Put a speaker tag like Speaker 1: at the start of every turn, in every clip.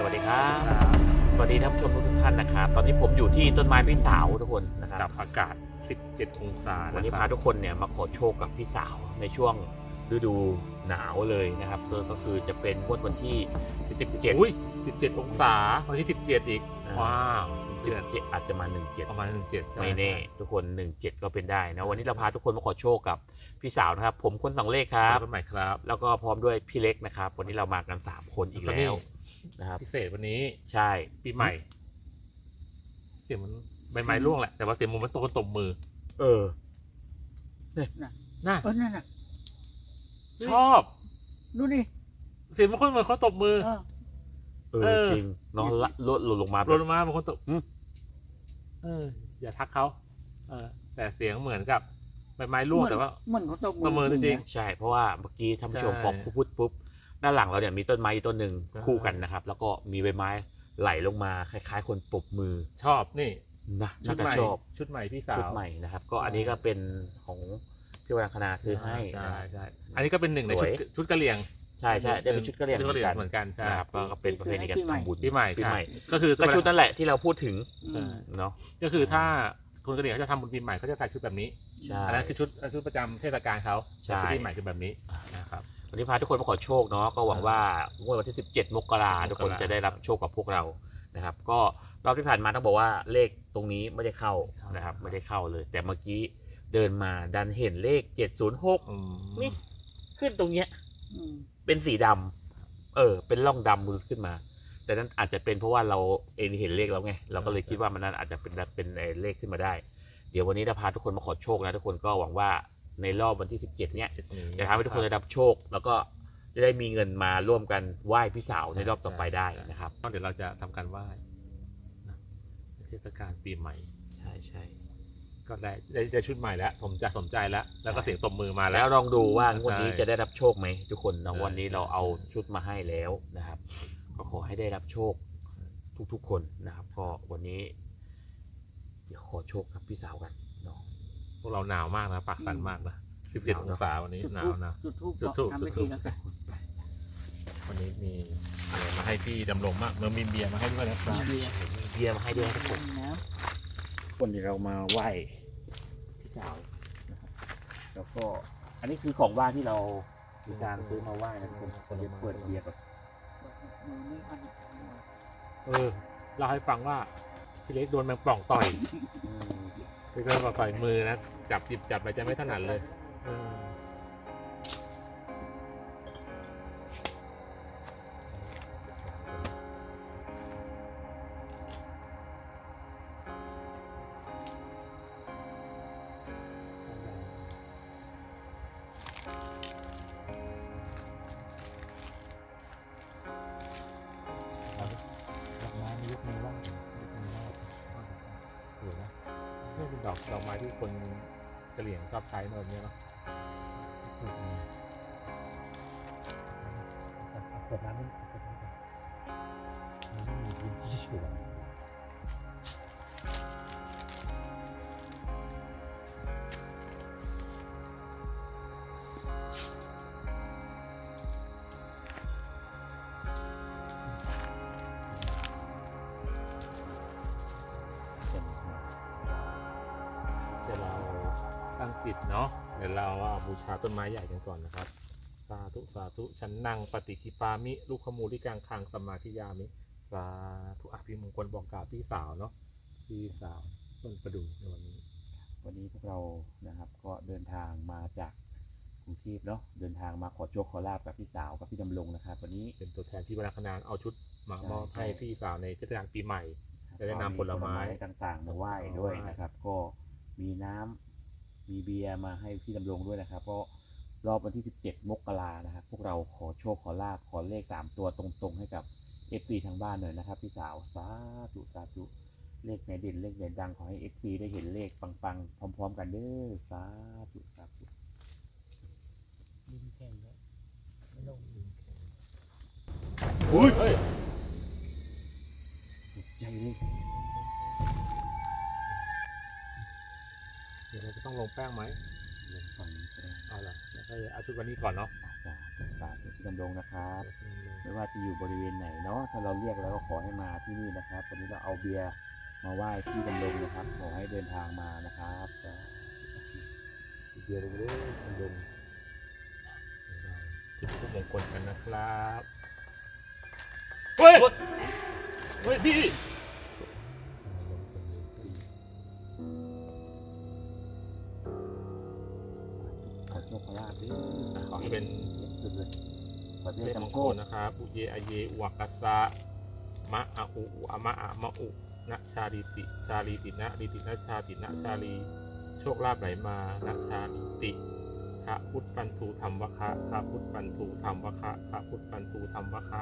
Speaker 1: วัสดีครับสวัสดีท่านผู้ชมทุกท่านนะครับตอนนี้ผมอยู่ที่ต้นไม้พี่สาวทุกคนนะครับ
Speaker 2: กับอากาศ 17 องศา
Speaker 1: วันนี้พาทุกคนเนี่ยมาขอโชคกับพี่สาวในช่วงฤดูหนาวเลยนะครับก็คือจะเป็นงวดวันที่17
Speaker 2: อุ้ย17 องศาวันที่ 17 อีก ว้าวเดือน
Speaker 1: 17อาจจะมา17
Speaker 2: ประมาณ17
Speaker 1: ไม่แน่ทุกคน17ก็เป็นได้นะวันนี้เราพาทุกคนมาขอโชคกับพี่สาวนะครับผมคนสองเลขครับ
Speaker 2: ต้นใหม่ครับ
Speaker 1: แล้วก็พร้อมด้วยพี่เล็กนะครับวันนี้เรามากัน3คนอีกแล้วนะครับ
Speaker 2: พิเศษวันนี้
Speaker 1: ใช่
Speaker 2: ปีใหม่ เสียงมันใบไม้ร่วงแหละ แต่ว่าเสียงมันตกตบมือ
Speaker 1: เออ
Speaker 2: น่ะ
Speaker 3: นั่นน่ะ
Speaker 2: ชอบ
Speaker 3: ดูดิ
Speaker 2: เสียงมันคนเหมือนเขาตบมือ
Speaker 1: จริงนอนละลดลงมา
Speaker 2: ลงมาบางคนตบอย่าทักเขาแต่เสียงเหมือนกับใบไม้ร่วงแต่ว่า
Speaker 3: เหมือนเขาตก
Speaker 2: ประเมินจริง
Speaker 1: ใช่เพราะว่าเมื่อกี้ท่านผู้ชม
Speaker 2: ใช่
Speaker 1: พอพูดปุ๊บด้านหลังเราเนี่ยมีต้นไม้ต้นหนึ่ง
Speaker 2: ใช่
Speaker 1: คู่กันนะครับ แล้วก็มีใบไม้ไหลลงมาคล้ายๆ คนปรบมือ
Speaker 2: ชอบนี่
Speaker 1: นะ
Speaker 2: ชุ
Speaker 1: น่า
Speaker 2: ด
Speaker 1: จะ
Speaker 2: ใหม่
Speaker 1: ชอบ
Speaker 2: ชุดใหม่พี่สาว
Speaker 1: ชุดใหม่นะครับ ก็อันนี้ก็เป็นของพี่วรังคณาซื้อให้
Speaker 2: ใช่
Speaker 1: นะครับ
Speaker 2: ใช่อันนี้ก็เป็นหนึ่งใน
Speaker 1: สวย
Speaker 2: ชุดกะเหรี่ยง
Speaker 1: ใช่ใช่ได้เป็นชุดกระเหรี่ยง
Speaker 2: ชุดกะเหรี่ยง
Speaker 1: เห
Speaker 2: เห
Speaker 1: มื
Speaker 2: มื
Speaker 1: อ
Speaker 2: อน น
Speaker 1: กัน
Speaker 2: กันใช่
Speaker 1: นะครับก็เป็นประเพณีการทำบุญ
Speaker 2: ปีใหม่
Speaker 1: ปีใหม่
Speaker 2: ก็คือ
Speaker 1: ก็ชุดนั่นแหละที่เราพูดถึง
Speaker 2: ใช่
Speaker 1: เนาะ
Speaker 2: ก็คือถ้าคนกะเหรี่ยงเขาจะทำบุญปีใหม่เขาจะใส่ชุดแบบนี้
Speaker 1: ใช่
Speaker 2: อันนั้นคือชุดประจำเทศกาลเขา
Speaker 1: ใช่
Speaker 2: ชุดปีใหม่คือแบบนี้นะครับ
Speaker 1: วันนี้พาทุกคนมาขอโชคเนาะก็หวังว่างวดวันที่ 17 มกราทุกคนจะได้รับโชคกับพวกเรานะครับ ก็รอบที่ผ่านมาต้องบอกว่าเลขตรงนี้ไม่ได้เข้านะครับไม่ได้เข้าเลย แต่เมื่อกี้เดินมาดันเห็นเลข 706 นี่ ขึ้นตรงเนี้ยเป็นสีดำเป็นร่องดำขึ้นมา แต่นั้นอาจจะเป็นเพราะว่าเราเองเห็นเลขแล้วไงเราก็เลยคิดว่ามันนั้นอาจจะเป็นเลขขึ้นมาได้ เดี๋ยววันนี้จะพาทุกคนมาขอโชคนะทุกคนก็หวังว่าในรอบวันที่ 17 เนี้ยจะทำให้ทุกคนได้รับโชค แล้วก็จะได้มีเงินมาร่วมกันไหว้พี่สาวในรอบต่อไปได้นะครับ
Speaker 2: เดี๋ยวเราจะทำการไหว้นะเทศกาลปีใหม่
Speaker 1: ใช่ใช่
Speaker 2: ก็ได้ชุดใหม่แล้วผมจะสนใจแล้วก็เสียงตบมือมาแล้
Speaker 1: แล้ว
Speaker 2: ว
Speaker 1: ลองดูว่างวดนี้
Speaker 2: ใช่
Speaker 1: จะได้รับโชคไหมทุกคนนะ
Speaker 2: ใช่
Speaker 1: วันนี้เราเอาชุดมาให้แล้วนะครับ ก็ขอให้ได้รับโชคทุกๆคนนะครับ ก็วันนี้ เดี๋ยวขอโชคกับพี่สาวกันเนาะ
Speaker 2: พวกเราหนาวมากนะปากสั่นมากนะ17 องศาวันนี้
Speaker 3: จุด
Speaker 2: หนา
Speaker 3: ทู
Speaker 2: ว
Speaker 3: บ
Speaker 2: นะ
Speaker 3: จุดทูบ
Speaker 2: จุดธูป
Speaker 3: ทำพิ
Speaker 2: จุ
Speaker 3: ธี
Speaker 2: ดธูป
Speaker 3: แล้วกัน
Speaker 2: วันนี้มีอะไรมาให้พี่ดำรงมากเมื่อมีเบียร์มาให้ด้วยนะครับ
Speaker 3: เบียร์
Speaker 1: เบียร์มาให้ด้วยนะทุกคน
Speaker 3: นะ
Speaker 1: คนที่เรามาไหว้พี่สาวนะครับแล้วก็อันนี้คือของว่างที่เรามีการซื้อมาไหว้นะทุกคนคนจะเปิดเบียร์ก่อน
Speaker 3: มือไม่อัน
Speaker 2: เล่าให้ฟังว่าพี่เล็กโดนแมงป่องต่อยพี่ก็ต่อยมือนะจับหยิบจับอะไรจะไม่ถนัดเลยดอกไม้ยกมือไหว้สวยนะนี่เป็นดอกไม้ที่คนกะเหรี่ยงชอบใช้เนอะเนี่ยเนาะ
Speaker 1: เปิดร้านนี้ไม่มีพื้นที่ชัวร์
Speaker 2: เดี๋ยวเราตั้งจิตเนาะเดี๋ยวเราบูชาต้นไม้ใหญ่กันก่อนนะครับสาธุสาธุฉันนั่งปฏิคิปามิลูกขมูลิกังคังสมมาธิยามิสาธุอภิมงคลบอกกล่าวพี่สาวเนาะพี่สาวต้นประดู่ในวันนี้
Speaker 1: วันนี้พวกเรานะครับก็เดินทางมาจากกรุงเทพเนาะเดินทางมาขอโชคขอลาบกับพี่สาวกับพี่ดำรงนะครับวันนี้
Speaker 2: เป็นตัวแทนที่วรรณคณาเอาชุดมามอบ
Speaker 1: ใช่
Speaker 2: ให้พี่สาวในเทศกาลปีใหม่ จะได้นำผลไม้
Speaker 1: ต่างๆมาไหว้ด้วยนะครับ ก็มีน้ำมีเบียร์มาให้พี่ดำรงด้วยนะครับก็รอบวันที่ 17 มกรานะครับ พวกเราขอโชคขอลาบขอเลข3ตัวตรงๆให้กับ FC ทางบ้านหน่อยนะครับพี่สาวสาธุสาธุเลขไหนเด่นเลขไหนดังขอให้ FC ได้เห็นเลขปังๆพร้อมๆกันเด้อสาธุสาธุ
Speaker 3: ดินแข็งแล้วไม่ลง
Speaker 2: อุ้ยเฮ้ย
Speaker 1: ใจเลย
Speaker 2: เดี๋ยวเราจะต้องลงแป้งไหม
Speaker 1: ลงฝั่งนี้ก็ได้
Speaker 2: เอาละแล้วก็เอาชุดวันนี้ก่อนเนาะ
Speaker 1: สาธุสาธุพี่ดำรงนะครับ ไม่ว่าจะอยู่บริเวณไหนเนาะถ้าเราเรียกแล้วก็ขอให้มาที่นี่นะครับวันนี้เราเอาเบียร์มาไหว้พี่ดำรงนะครับขอให้เดินทางมานะครับสาธุ
Speaker 2: เดียวเลยคุณดงจุดทูปมงคลกันนะครับเฮ้ยเฮ้ยพี่
Speaker 1: ขอโชคขอลาภด้วยขอให้
Speaker 2: นี่เป็น
Speaker 1: สุดเลยขอ
Speaker 2: เล
Speaker 1: ได้
Speaker 2: ขมง
Speaker 1: จำโช
Speaker 2: ค
Speaker 1: ค
Speaker 2: ลนะครับอุเยอเยวกัสสะมะอะอุอะมะอะมะอุนะชาลิติชาลีตินะลิตินะชาตินะชาลีโชคลาภไหลมานะชาลิติคะพุทธปันทูธรรมวะคะคะพุทธปันทูธรรมวะคะคะพุทธปันทูธรรมวะคะ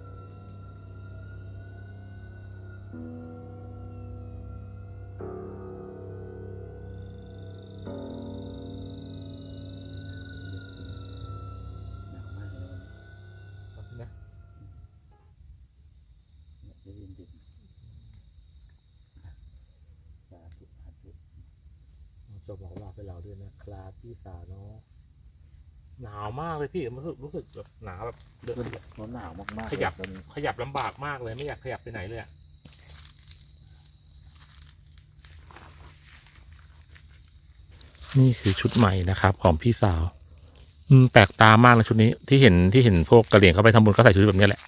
Speaker 1: หนาวมากเลยวันนี้
Speaker 2: นะ
Speaker 1: เนี่ยได้ยินดินสาธุสาธุ
Speaker 2: จบหมอลาไปเราด้วยนะครับพี่สาวเนาะหนาวมากเลยพี่รู้สึกแบบหนาวแบบเดิน
Speaker 1: เพราะหนาวมากๆ
Speaker 2: ขยับ
Speaker 1: เลยตอนนี้
Speaker 2: ขยับลำบากมากเลยไม่อยากขยับไปไหนเลยอะนี่คือชุดใหม่นะครับ ของพี่สาวแปลกตามากนะชุดนี้ที่เห็นพวกกะเหรี่ยงเขาไปทำบุญก็ใส่ชุดแบบนี้แหละ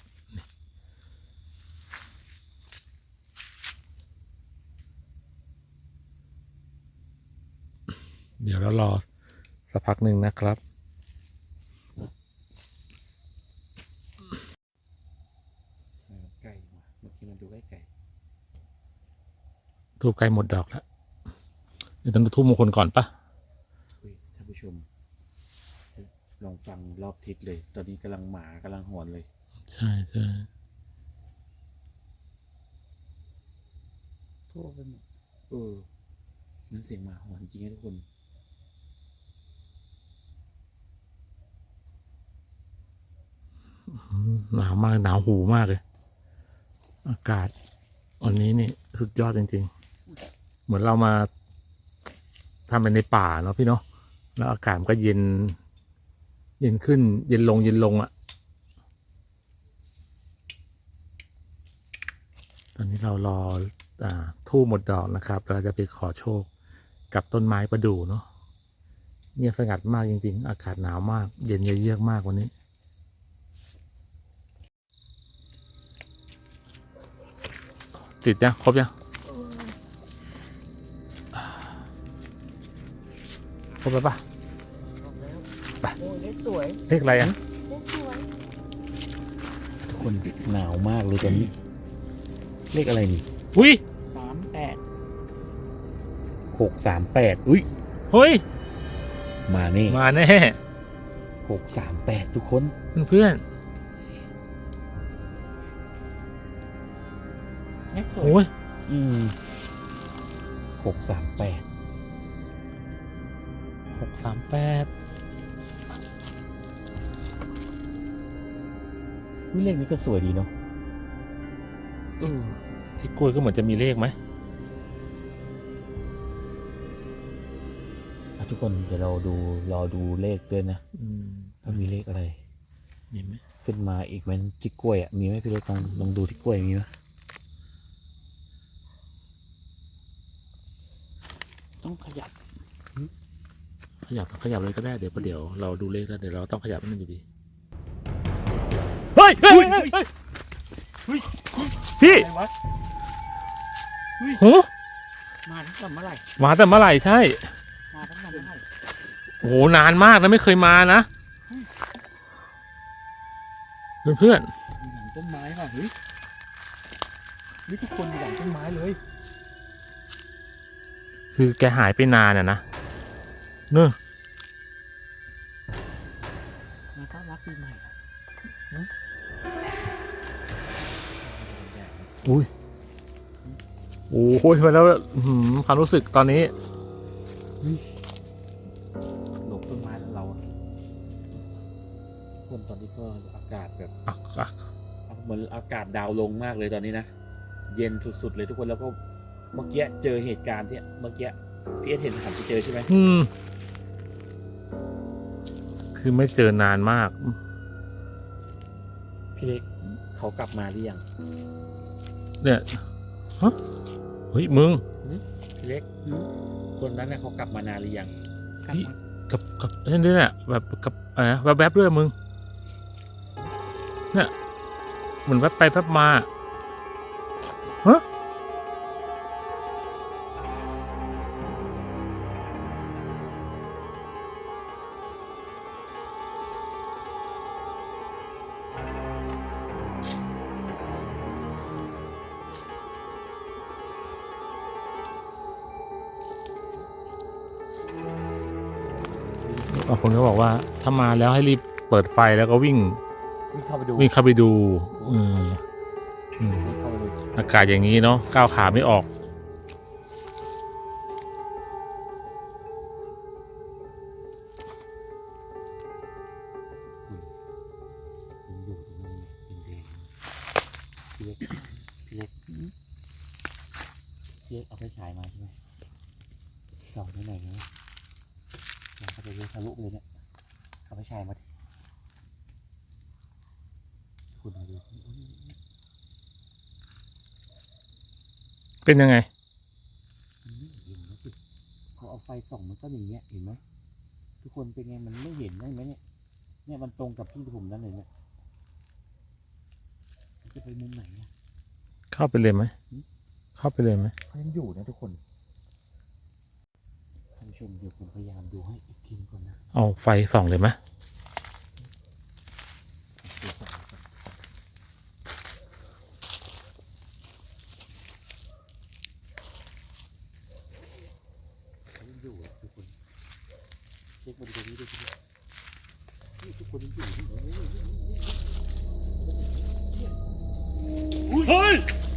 Speaker 2: เดี๋ยวเรารอสักพักหนึ่งนะครับ
Speaker 1: ใกล้ว่ะเมื่อกี้มันดูใกล้ไก่
Speaker 2: ทูบใกล้หมดดอกแล้วเดี๋ยวต้องดูทูบมงคลก่อนปะ
Speaker 1: ท่านผู้ชมลองฟังรอบทิศเลย ตอนนี้กำลังหมากำลังหอนเลย
Speaker 2: ใช่ใช่
Speaker 1: ทั่วไปหมดมันเสียงหมาหอนจริงนะทุกคน
Speaker 2: หนาวมากหนาวหูมากเลย อากาศวันนี้นี่สุดยอดจริงๆ เหมือนเรามาทำเป็นในป่าเนาะพี่เนาะแล้วอากาศมันก็เย็น เย็นขึ้น เย็นลงอ่ะ ตอนนี้เรารอทูบหมดดอกนะครับเราจะไปขอโชคกับต้นไม้ประดู่เนาะเงียบสงัดมากจริงๆ อากาศหนาวมาก เย็นเยือกมากวันนี้ ติดยังครบยังครบแล้วปะ ไป
Speaker 4: โอ้ยเลขสวย
Speaker 2: เลขอะไรอ่ะ
Speaker 4: เลขสวย
Speaker 1: ทุกคนหนาวมากเลยตอนนี้ เลขอะไรนี่
Speaker 2: อุ้ย
Speaker 4: 38
Speaker 1: 638อุ้ย
Speaker 2: เฮ้ย
Speaker 1: มานี่
Speaker 2: มาแน่
Speaker 1: 638ทุกคน
Speaker 2: เพื่อน
Speaker 4: เลขส
Speaker 2: ๆ
Speaker 4: วย
Speaker 2: โอ้ย
Speaker 1: 638
Speaker 2: 638
Speaker 1: อุ้ยเลขนี้ก็สวยดีเนาะ
Speaker 2: ที่กล้วยก็เหมือนจะมีเลขไหม
Speaker 1: ทุกคนเดี๋ยวเรารอดูเลขด้วยนะว่ามีเลขอะไร
Speaker 2: มีไหม
Speaker 1: ขึ้นมาอีกไหมที่กล้วยอ่ะมีไหมพี่เล็กลองดูที่กล้วยมีไหมต้องขยับ
Speaker 2: ขยับเลยก็ได้เดี๋ยวเราดูเลขแล้วเดี๋ยวเราต้องขยับให้มันอยู่ดีเฮ้ยพี่
Speaker 3: อะไรวะ
Speaker 2: โห
Speaker 4: มาตั้งแต่เมื่อไหร่
Speaker 2: มาแต่เมื่อไหร่ใช่
Speaker 4: มาตั้งแต่เมื่อไหร่
Speaker 2: โอ้โหนานมากนะไม่เคยมานะเพื่อน
Speaker 3: อยู่หลังต้นไม้ว่ะเฮ้ยทุกคนอยู่หลังต้นไม้เลย
Speaker 2: ๆคือแกหายไปนานอ่ะนะเนอะ
Speaker 4: มาต้อนรับปีใหม่อะ
Speaker 2: อุ้ยโอ้ยมาแล้วความรู้สึกตอนนี้
Speaker 1: หลบต้นไม้แล้วเราอะคนตอนนี้ก็อากาศแบบ เหมือนอากาศดาวลงมากเลยตอนนี้นะ เย็นสุดๆเลยทุกคนแล้วก็เมื่อกี้เจอเหตุการณ์ที่เมื่อกี้พี่เอสเห็นหันไปเจอใช่ไหม
Speaker 2: คือไม่เจอนานมาก
Speaker 3: พี่เล็กเขากลับมาหรือยัง
Speaker 2: เนี่ยฮะเฮ้ยมึง
Speaker 3: พี่เล็กคนนั้นน่ะเขากลับมานานหรือยัง
Speaker 4: กลับมา
Speaker 2: กับนี่แหละแบบกับอะไรนะแวบๆด้วยมึงเนี่ยเหมือนแวบไปแวบมาฮะ บางคนก็บอกว่าถ้ามาแล้วให้รีบเปิดไฟแล้วก็วิ่ง
Speaker 3: วิ่งเข้าไปดู
Speaker 2: เข้าไปดูอืม
Speaker 3: วิ่งเข้าไปดู
Speaker 2: อากาศอย่างนี้เนาะก้าวขาไม่ออก
Speaker 1: ยังอยู่ตรงนั้นยังแดงพี่เล็กพี่เล็กเอาไฟฉายมาใช่ไหมส่องไปไหนเนี่ยอยากจะเลี้ยวทะลุเลยเนี่ยเอาไฟฉายมาดิคุณดู
Speaker 2: เป็นยังไง
Speaker 1: มันไม่เห็นนะสิพอเอาไฟส่องมันก็อย่างเงี้ยเห็นไหมทุกคนเป็นไงมันไม่เห็นได้ไหมเนี่ยมันตรงกับที่ผมนั่นเลยเนี่ยมันจะไปมุมไหนเนี่ย
Speaker 2: เข้าไปเลยไหมเข้าไปเลยไหม
Speaker 3: เขายังอยู่นะทุกคน
Speaker 1: ท่านผู้ชมเดี๋ยวผมพยายามดูให้อีกทีก่อนนะ
Speaker 2: เอาไฟส่องเลยไหม
Speaker 1: เขายังอยู่อะทุกคนเช็คบริเวณนี้ด้วยนี่ทุกคนยังอยู่นี่
Speaker 2: เฮ้ย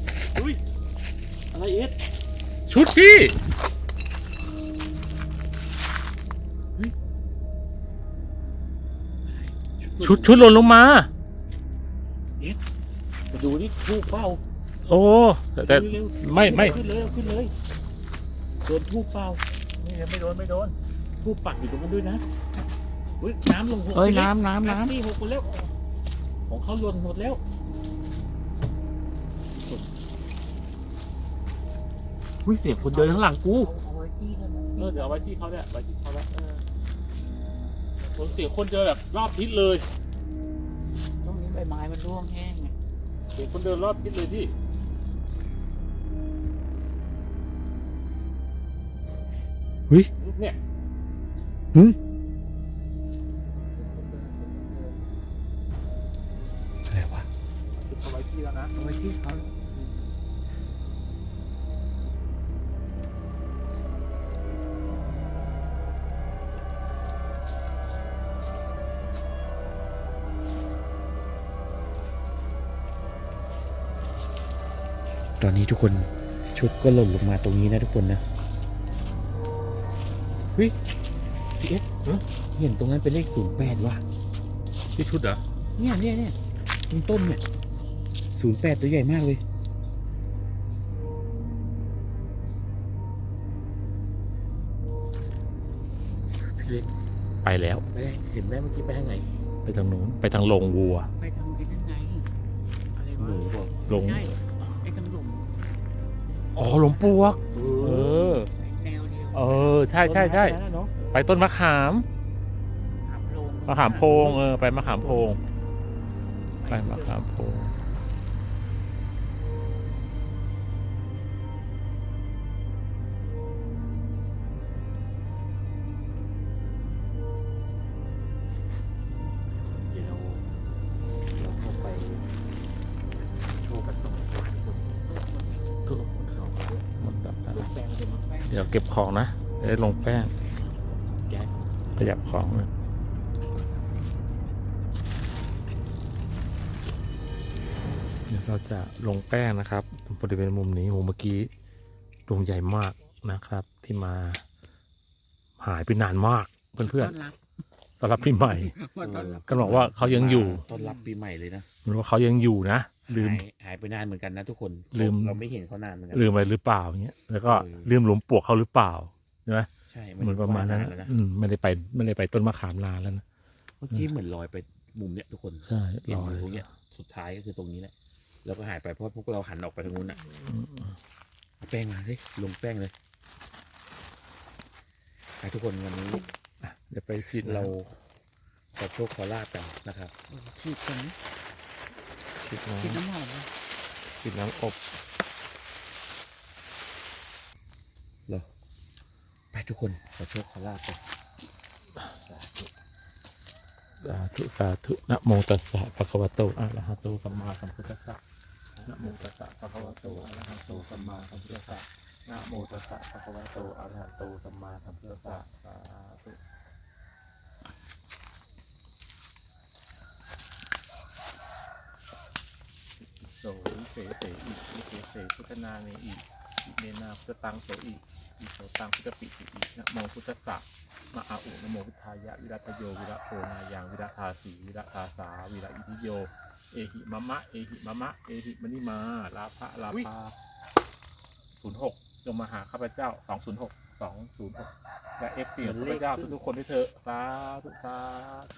Speaker 1: อะไรเอ็ด
Speaker 2: ชุดพี่ชุดหล่นลงมา
Speaker 1: มาดูนี่ทูบเป้า
Speaker 2: โอ้แต่
Speaker 1: เร็ว
Speaker 2: ไม่
Speaker 1: ขึ้นเลยขึ้นเลยโดนทูบเป้า
Speaker 2: นี่ไม่โดน
Speaker 1: ทูบปักอยู่ตรงนั้นด้วยนะเฮ้ยน้ำลงหก
Speaker 4: เอ้ย
Speaker 1: ไปแล้ว
Speaker 4: น้ำ
Speaker 1: นี่หกหมดแล้วของเขาหล่นหมดแล้ว
Speaker 3: อุ้ยเสียงคนเดินข้างหลังกู
Speaker 4: เอาไว้ที่นั่นนะ
Speaker 2: เดี๋ยวเอาไว้ที่เขาเนี่ยไว้ที่เขาแล้วผมเสียงคนเดินแบบรอบทิศเลย
Speaker 4: ตรงนี้ใบไม้มันร่วงแห้งไง
Speaker 2: เสียงคนเดินรอบทิศเลยพี่
Speaker 3: เฮ้ย
Speaker 2: เนี่ย
Speaker 3: อะไรวะ
Speaker 2: เอาไว้ที่แล้วนะ
Speaker 4: เอาไว้ที่เขา
Speaker 3: ตอนนี้ทุกคนชุดก็หล่นลงมาตรงนี้นะทุกคนนะเฮ้ยพี่เอสเห็นตรงนั้นเป็นเลข08ว่ะ
Speaker 2: ที่ชุดเหรอ
Speaker 3: เนี่ยตรงต้นเนี่ย08ตัวใหญ่มากเลยพี่เล็ก
Speaker 2: ไปแล้ว
Speaker 3: ไปได้เห็นไหมเมื่อกี้ไปทางไหน
Speaker 2: ไปทางนู้นไปทางโรงวัว
Speaker 4: ไปทางที่นั่นไงอะไร
Speaker 3: ห
Speaker 4: วะ
Speaker 3: นูบอก
Speaker 2: โรง
Speaker 4: ใช่ไอ้ทางหลุม
Speaker 2: อ๋อหลวงปวกเออ
Speaker 4: แนวเดียว
Speaker 2: ใช่ไปต้นมะขาม
Speaker 4: ถามโรง
Speaker 2: มะขามโพงไปมะขามโพงไปมะขามโพง
Speaker 3: เดี๋ยวเราเข้าไปโชว์กันตรงนี้ทุกคน
Speaker 2: ทุกคนเขาหมดแบบนั้น
Speaker 4: แปลงเดี๋ยวมันแปลง
Speaker 2: เดี๋ยวเก็บของนะจะได้ลงแป้ง
Speaker 3: แก๊ส
Speaker 2: ขยับของเลยเดี๋ยวเราจะลงแป้งนะครับบริเวณมุมนี้โหเมื่อกี้ดวงใหญ่มากนะครับ ที่มาหายไปนานมากเพื่อน
Speaker 4: ต้อนรับ
Speaker 2: ๆต้อนรับพี่ใหม่
Speaker 4: มาต้อนรับ
Speaker 2: ก็บอกว่าเขายังอยู่
Speaker 3: ต้อนรับปีใหม่เลยนะ
Speaker 2: มันว่าเขายังอยู่นะลืม
Speaker 3: หายไปนานเหมือนกันนะทุกคน
Speaker 2: ลืม
Speaker 3: เราไม่เห็นเขานานเหมือนกั
Speaker 2: ลืมอะไรหรือเปล่าเงี้ยแล้วก็
Speaker 3: เออ
Speaker 2: ลืมหลวงปวกเขาหรือเปล่าใช่ไหม
Speaker 3: ใช่
Speaker 2: เหมือนประมาณนั้น
Speaker 3: แล้วนะ
Speaker 2: ไม่ได้ไปต้นมะขามนานแล้วนะ
Speaker 3: เมื่อกี้เหมือนลอยไปมุมเนี้ยทุกคน
Speaker 2: ใช่
Speaker 3: เห็น
Speaker 2: รอ
Speaker 3: อยู่
Speaker 2: เลย
Speaker 3: ตรงเนี้ย
Speaker 1: สุดท้ายก็คือตรงนี้แหละแล้วก็หายไปเพราะพวกเราหันออกไปทางนู้นอ่ะเอาแป้งมาสิลงแป้งเลยไปทุกคนวันนี้
Speaker 2: เดี๋ยวไปฉีด
Speaker 1: เรา
Speaker 2: เรา
Speaker 1: ขอโชคขอลาบกันนะครับ
Speaker 4: ฉีดกันนะ
Speaker 2: ฉีด
Speaker 4: ฉีด
Speaker 2: น้ำ
Speaker 4: น้ำหอมนะ
Speaker 2: ฉีดน้ำอบ
Speaker 1: เหรอไปทุกคนขอโชคขอลาบกัน
Speaker 2: สาธุสาธุนะโมตัสสะภะคะวะโตอะระหะโตสัมมาสัมพุทธัสสะนะโมตัสสะภะคะวะโตอะระหะโตสัมมาสัมพุทธัสสะนะโมตัสสะภะคะวะโตอะระหะโตสัมมาสัมพุทธัสสะสาธุ โสวิเศษเสอิวิเศษเสพุทธนาเนอิอิเมนาพุทธตังโสอิอิโสตังพุทธปิติอินะโมพุทธัสสะมะอาอุนะโมพุทธายะวิรัตโยวิระโพนายังวิระทาสีวิระทาสาวิระอิทิโยเอหิมะมะเอหิมะมะเอหิมะนิมาลาภะลาภา06จงมาหาข้าพเจ้า206และเอฟซีของข้าพเจ้าทุกๆคนด้วยเถอะสาธุสาธุ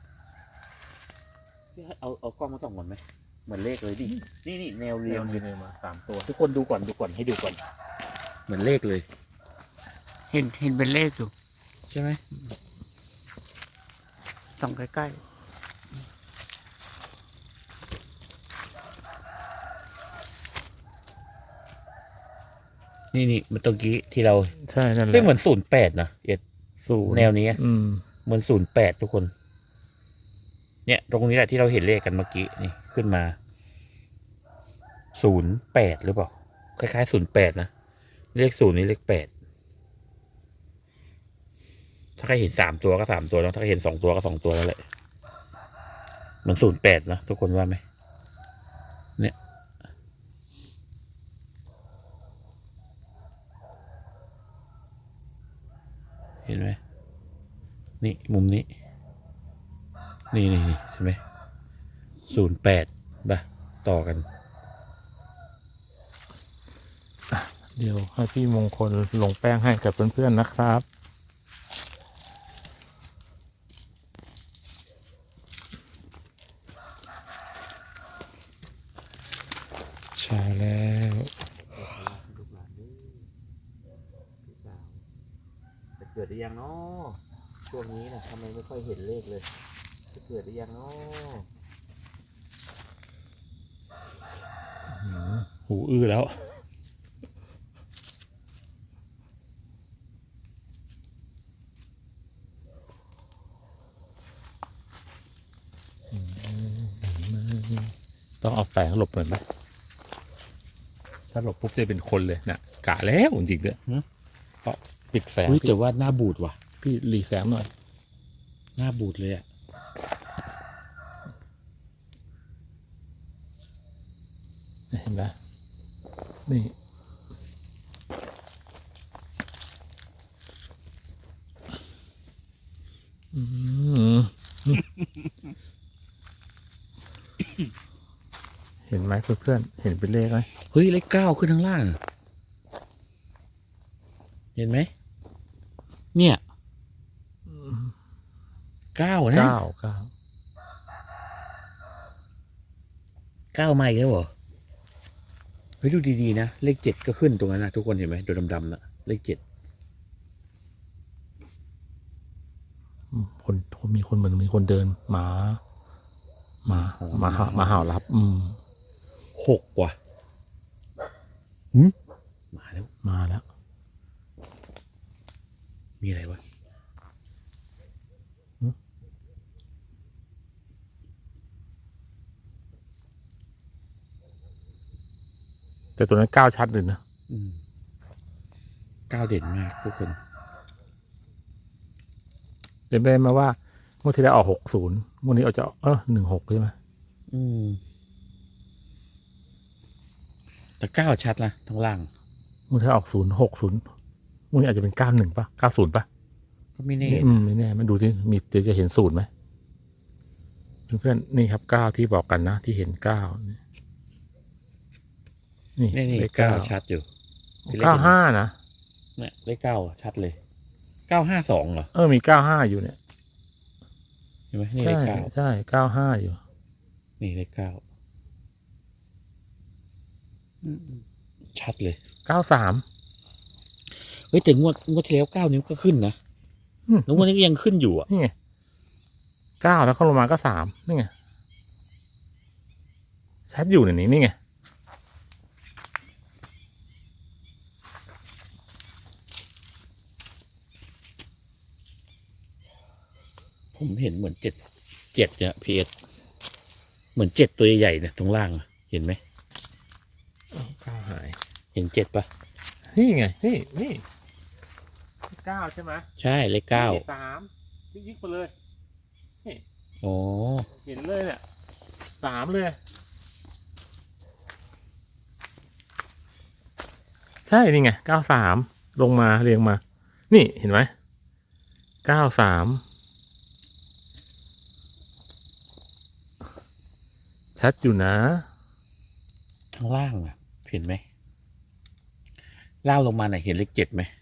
Speaker 1: เอากล้องมาส่องก่อนไหมเหมือนเลขเลยดินี่แนว
Speaker 2: เรี
Speaker 1: เรี
Speaker 2: ย
Speaker 1: ย
Speaker 2: ง
Speaker 1: ง
Speaker 2: เล
Speaker 1: เลย
Speaker 2: ยมา3ตัวทุกคนดูก่อนให้ดูก่อน
Speaker 1: เหมือนเลขเลย
Speaker 4: เห็นเป็นเลขอยู่
Speaker 1: ใช่ไหม
Speaker 4: ส่องใกล้
Speaker 1: นี่มันตรงกี้ที่เรา
Speaker 2: ใช่นั่นแหละ
Speaker 1: ไม่เหมือน08นะเอ็ด
Speaker 2: ศูนย์
Speaker 1: แนวนี้ เหมือน08ทุกคน เนี่ย ตรงนี้แหละที่เราเห็นเลขกันเมื่อกี้นี่ขึ้นมา08หรือเปล่าคล้ายๆ08นะเลข0นี่เลข8ถ้าใครเห็น3ตัวก็3ตัวแล้วถ้าใครเห็น2ตัวก็2ตัวแล้วแหละเหมือน08นะทุกคนว่าไหมเนี่ยเห็นไหมนี่มุมนี้นี่ใช่ไหม08ป่ะต่อกัน
Speaker 2: เดี๋ยวให้พี่มงคลลงแป้งให้กับเพื่อนๆนะครับใช่แล้ว
Speaker 1: ลูกหลานเด้อลูกสาวจะเกิดได้ยังเนาะช่วงนี้นะทำไมไม่ค่อยเห็นเลขเลย จะเกิดได้ยังเนาะ
Speaker 2: หูอื้อแล้วต้องเอาแสงหลบหน่อยไหมถ้าหลบปุ๊บจะเป็นคนเลยนะกะแล้วจริงๆด้วยเพราะปิดแสง
Speaker 1: เฮ้ย
Speaker 2: พี่
Speaker 1: แต่ว่าหน้าบูดว่ะ
Speaker 2: พี่หลีแสงหน่อย
Speaker 1: หน้าบูดเลยอ่ะ
Speaker 2: เห็นไหมนี่อืม เห็นไหมเพื่อนๆเห็นเป็นเลขไหม
Speaker 1: เฮ้ยเลข9ขึ้นข้างล่างอะเห็นไหมเนี่ย9นะ
Speaker 2: 9
Speaker 1: 9มาอีกแล้วเหรอเฮ้ยดูดีๆนะเลข7ก็ขึ้นตรงนั้นนะทุกคนเห็นไหมตัวดำๆนะเลข7
Speaker 2: คนมีคนเหมือนมีคนเดินหมาเห่ารับ
Speaker 1: 6ว่ะมาแล้ว
Speaker 2: มาแล้ว
Speaker 1: มีอะไรวะ
Speaker 2: แต่ตัวนั้นก้าวชัดเลยนะ
Speaker 1: 9เด่นมากทุกคน
Speaker 2: เป็นไปได้ไหมว่างวดที่แล้วออก60งวดนี้เอาจะ16ใช่ไหม
Speaker 1: แต่9ชัดนะทั้งล่าง
Speaker 2: งวดที่แล้วออก060งวดนี้อาจจะเป็น91ป่ะ90ป่ะ
Speaker 1: ก็ไม่แน่
Speaker 2: ไม่แน่มันดูสิมีจะเห็น0ไหมเพื่อนๆนี่ครับ9ที่บอกกันนะที่เห็น9นี่
Speaker 1: นี่
Speaker 2: เลข
Speaker 1: 9ชัดอยู่ที่เลข
Speaker 2: 95นะ
Speaker 1: เนี่ยเลข9ชัดเลย952เหรอ
Speaker 2: มี95อยู่เนี่ย
Speaker 1: เห็นไหมนี่
Speaker 2: ใช่
Speaker 1: เลข
Speaker 2: ใช่95อยู่
Speaker 1: 9 นี่เลขเก้า
Speaker 4: อืม
Speaker 1: ชัดเลย
Speaker 2: 93
Speaker 1: เฮ้ยแต่งวดที่แล้ว9 นิ้วก็ขึ้นนะ
Speaker 2: อืม
Speaker 1: แล้วงวดนี้ก็ยังขึ้นอยู่อ่ะ
Speaker 2: นี่ไง9แล้วก็ลงมาก็3นี่ไงชัดอยู่ในนี้นี่ไง
Speaker 1: ผมเห็นเหมือน7เนี่ยพีเอสเหมือน7ตัวใหญ่ๆเนี่ยตรงล่างอะเห็นไหม
Speaker 2: 9หาย
Speaker 1: เห็น7ปะ
Speaker 2: นี่ไงนี่9ใช่ไหม
Speaker 1: ใช่เลขเก้า
Speaker 2: 3ยิกไปเลย
Speaker 1: โอ้
Speaker 2: เห็นเลยเนี่ย3เลยใช่นี่ไง93ลงมาเรียงมา นี่เห็นไหม93ชัดอยู่นะ
Speaker 1: ข้างล่างอ่ะเห็นไหมล่างลงมาไหนเห็นเลข7ไหม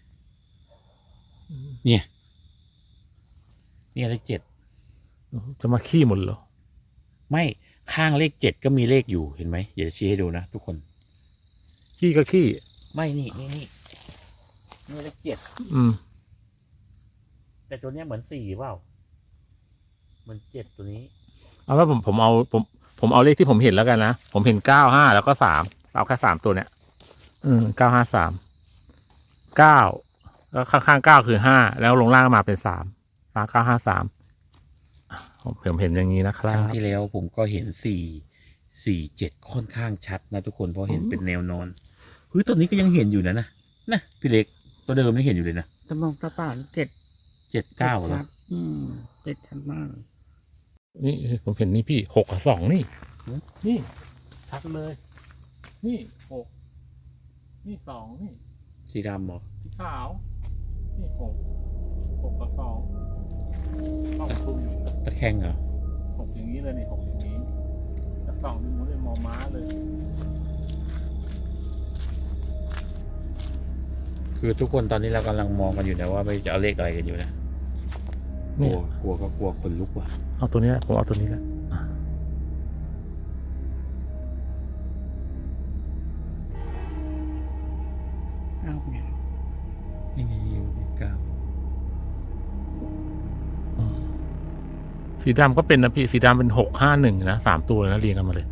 Speaker 1: เนี่ยเลข7
Speaker 2: จะมาขี้หมดเหรอ
Speaker 1: ไม่ข้างเลข7ก็มีเลขอยู่เห็นไหมเดี๋ยวจะชี้ให้ดูนะทุกคน
Speaker 2: ขี้ก็ขี้
Speaker 1: ไม่นี่เลข7
Speaker 2: อืม
Speaker 1: แต่ตัวเนี้ยเหมือน4เปล่าเหมือน7ตัวนี้
Speaker 2: เอาว่าผมเอาเลขที่ผมเห็นแล้วกันนะ ผมเห็น95แล้วก็3เอาแค่3ตัวเนี้ย953 9แล้วข้างๆ9คือ5แล้วลงล่างมาเป็น3 953ผมเห็นอย่างนี้นะค
Speaker 1: ค
Speaker 2: รั
Speaker 1: รั้ง
Speaker 2: บ
Speaker 1: ที่แล้วผมก็เห็น4 7ค่อนข้างชัดนะทุกคนเพราะเห็นเป็นแนวนอนเฮ้ยตัวนี้ก็ยังเห็นอยู่นะพี่เล็กตัวเดิมนี่เห็นอยู่เลยนะ
Speaker 4: ตะมองตะป่า7
Speaker 1: 7 9เหรอ
Speaker 4: ชัด7ชัดมาก
Speaker 2: นี่ผมเห็นนี่พี่6กับ2นี่นี่ชัดเลย นี่6นี่2นี่
Speaker 1: สีดำเหรอ
Speaker 2: สีขาว นี่6กับ2ต้องคุมอยู่
Speaker 1: ตะแคงเหรอ
Speaker 2: 6อย่างนี้เลยนี่6อย่างนี้แต่2นี่มันเป็นมอม้าเลย
Speaker 1: คือทุกคนตอนนี้เรากำลังมองกันอยู่นะว่าไปจะเอาเลขอะไรกันอยู่นะก
Speaker 2: เนี่
Speaker 1: ลั
Speaker 2: ย
Speaker 1: วก็กลัวคนลุกว่ะ
Speaker 2: เอาตัวนี้แหละผมเอาตัวนี้แหละ
Speaker 4: เอาเนี่ย
Speaker 1: นี่ไงอยู่เลข
Speaker 2: สีดำก็เป็นนะพี่สีดำเป็น651นะ3ตัวเลยนะเรียงกันมาเลย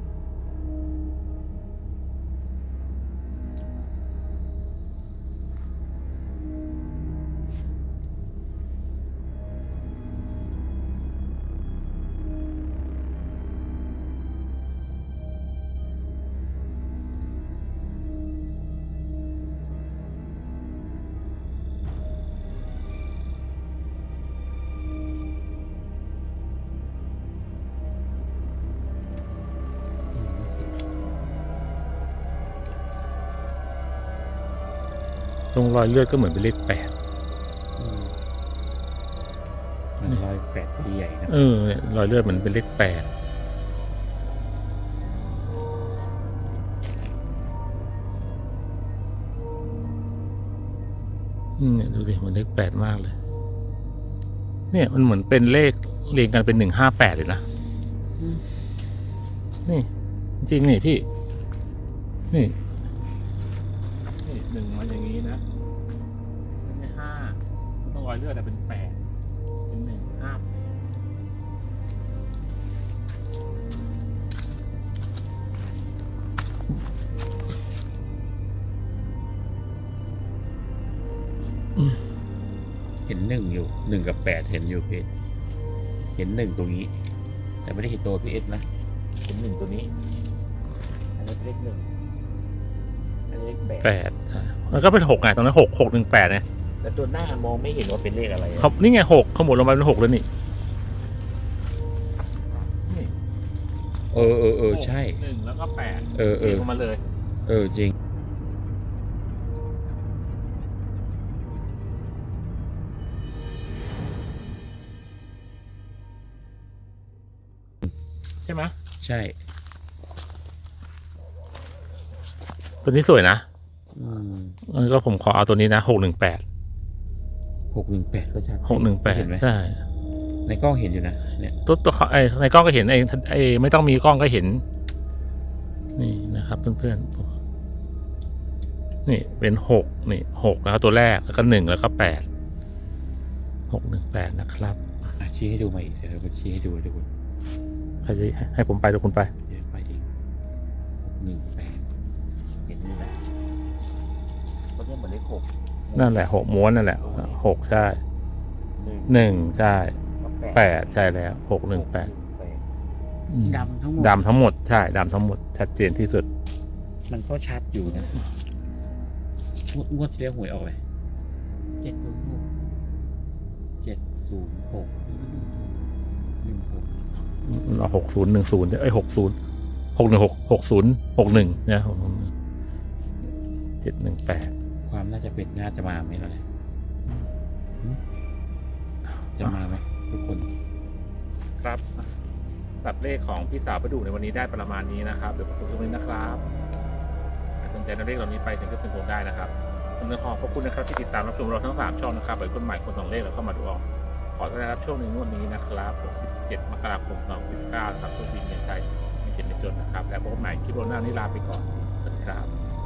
Speaker 2: ตรงรอยเลือดก็เหมือนเป็นเลข8
Speaker 1: มันรอย8ตัวใหญ่นะ
Speaker 2: เนี่ยรอยเลือดเหมือนเป็นเลข8เนี่ยดูดิเหมือนเลข8มากเลย เนี่ยมันเหมือนเป็นเลขเรียงกันเป็น158เลยนะนี่จริงๆนี่พี่นี่1มาอย่างนี้นะไม่ใช่5ต้องรอยเลือดแต่เป็น8เป็น1 5
Speaker 1: เห็น1อยู่1กับ8เห็นอยู่เพจเห็น1ตรงนี้ แต่ไม่ได้เห็นตัวพีเอสนะเห็น1ตัวนี้อันนี้เลข1อันนี้เลข8
Speaker 2: มันก็เป็น6ไงตรงนั้น6 1 8เนี่ย
Speaker 1: แต่ตัวหน้ามองไม่เห็นว่าเป็นเลขอะไรอะ
Speaker 2: เขานี่ไง6ขมวดลงมาเป็น6แล้วนี่
Speaker 1: ใช่
Speaker 2: 1แล้วก็8
Speaker 1: เรียง
Speaker 2: ลงมาเลย
Speaker 1: จริง
Speaker 2: ใช่ไหม
Speaker 1: ใช่
Speaker 2: ตัวนี้สวยนะ
Speaker 1: อืม
Speaker 2: ก็ผมขอเอาตัวนี้นะ618
Speaker 1: 618ก็ชัด
Speaker 2: 618
Speaker 1: เห็นไหม
Speaker 2: ใช่
Speaker 1: ในกล้องเห็นอยู่นะเนี่ย
Speaker 2: ตัวในกล้องก็เห็นไม่ต้องมีกล้องก็เห็น นี่นะครับเพื่อนๆนี่เป็น6นี่6นะครับตัวแรกแล้วก็1แล้วก็8 618นะครับ
Speaker 1: ชี้ให้ดูมาอีกเดี๋ยวผมชี้ให้ดูทุกคน
Speaker 2: ใครจะให้ผมไปหรือคุณไป
Speaker 1: เดี๋ยวไปอีก618เห็นนี่นะก็เนี่ยเหมือนเลข6
Speaker 2: นั่นแหละ6ม้วนนั่นแหละ6ใช่1ใช่8ใช่แล้ว618
Speaker 4: ดำทั้งหมด
Speaker 2: ดำทั้งหมดใช่ดำทั้งหมดชัดเจนที่สุด
Speaker 1: มันก็ชัดอยู่นะงวดที่แล้วหวยออกเลย
Speaker 4: 706
Speaker 1: 706
Speaker 2: เรา601060 6160เนี่ย718
Speaker 1: ความน่าจะเป็นน่าจะมาไหมเราเนี่ยจะมาไหมทุกคน
Speaker 2: ครับตัดเลขของพี่สาวประดูในวันนี้ได้ประมาณนี้นะครับเดี๋ยวผมสรุปตรงนี้นะครับสนใจนำเลขเหล่านี้ไปถึงก็สนุกได้นะครับผมขอขอบคุณนะครับที่ติดตามรับชมเราทั้ง3ช่องนะครับหรือคนใหม่คน2เลขเราเข้ามาดูออกขอต้อนรับช่วงในงวดนี้นะครับ17 มกราคม 2019นะครับทุกปีเงินใช้ไม่เจ็บไม่จนนะครับแล้วพบกันใหม่คลิปโรน่านี้ลาไปก่อนสวัสดีครับ